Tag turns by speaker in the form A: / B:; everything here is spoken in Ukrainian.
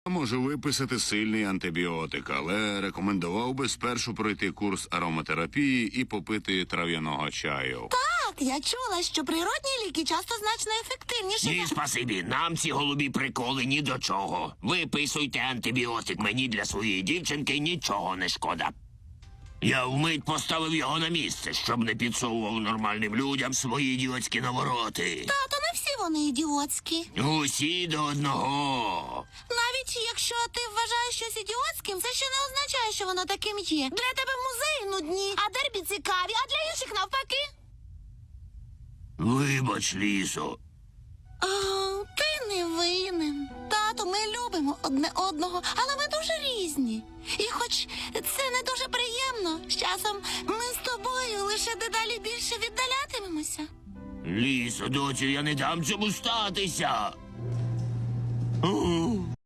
A: Можу виписати сильний антибіотик, але рекомендував би спершу пройти курс ароматерапії і попити трав'яного чаю.
B: Так, я чула, що природні ліки часто значно ефективніші.
C: Ні, спасибі, нам ці голубі приколи ні до чого. Виписуйте антибіотик, мені для своєї дівчинки нічого не шкода. Я вмить поставив його на місце, щоб не підсовував нормальним людям свої ідіотські навороти.
B: Тато, не всі вони ідіотські.
C: Усі до одного.
B: Навіть якщо ти вважаєш щось ідіотським, це ще не означає, що воно таким є. Для тебе музеї нудні, а дербі цікаві, а для інших навпаки.
C: Вибач, Лісо.
B: О, ти не винен. Тато, ми любимо одне одного, але ми дуже різні. І хоч це не дуже приємно, з часом ми з тобою лише дедалі більше віддалятимемося.
C: Лісо, доцю, я не дам цьому статися.